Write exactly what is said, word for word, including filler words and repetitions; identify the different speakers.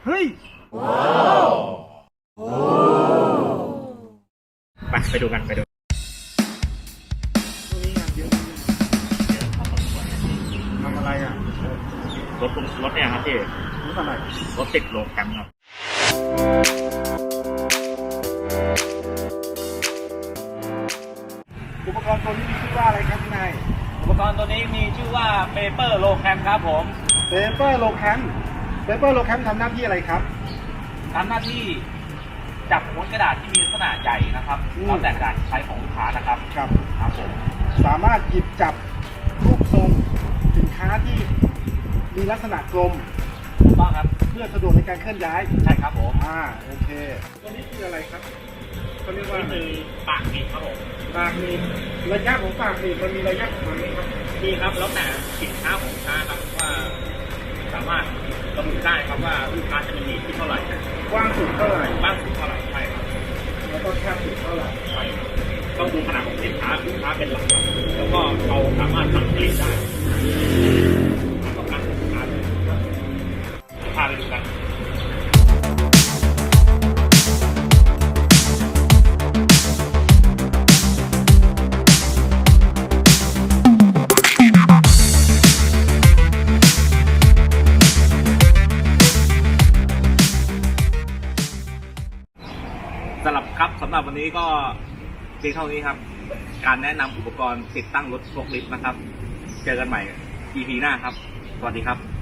Speaker 1: เฮ้ยไปไปดูกันไปดูตรงนี้งานเยอะเยอะพอสมควรทำอะไรอ่ะรถรถเนี่ยครับพี่รถอะไรรถติดโลแคมป์ครับอุปกรณ์ตัวนี้มีชื่อว่าอะไรครับพี่นาย
Speaker 2: อุปกรณ์ตัวนี้มีชื่อว่าเปเปอร์โลแคมครับผม
Speaker 1: เปเปอร์โลแคมเปเปอร์โลแคมทำหน้าที่อะไรครับ
Speaker 2: ทำหน้าที่จับม้วนกระดาษที่มีลักษณะใหญ่นะครับแล้วแต่กระดาษใช้ของลูกค้านะครับ
Speaker 1: ครับ
Speaker 2: ครับผม
Speaker 1: สามารถหยิบจับรูปทรงสินค้าที่มีลักษณะกลม
Speaker 2: ถูกต้องครับ
Speaker 1: เพื่อสะดวกในการเคลื่อนย้าย
Speaker 2: ใช่ครับผม
Speaker 1: อ่าโอเคตัวนี้คืออะไรครับเขาเรียกว่า
Speaker 2: คือปากหนีบครับผม
Speaker 1: ปากหนีบระยะของปากหนีบมันมีระยะของมันไหมครับ
Speaker 2: มีครับแล้วแต่สินค้าของลูกค้าครับว่าสามารถระบุได้ครับว่าลูกค้าจะมีหนีบที่เท่าไหร่
Speaker 1: กว้างสุดเท่าไหร่
Speaker 2: กว้างสุดเท่าไหร่ใช่ครับ
Speaker 1: แล้วก็แคบสุดเท่าไหร่
Speaker 2: ใช่ต้องดูขนาดของสินค้าลูกค้าเป็นหลักแล้วก็เราสามารถสั่งผลิตได้ต้องการสินค้าเลยพาไปดูกันสำหรับครับสำหรับวันนี้ก็เพียงเท่านี้ครับการแนะนำอุปกรณ์ติดตั้งรถโฟล์คลิฟต์นะครับเจอกันใหม่ อี พี หน้าครับสวัสดีครับ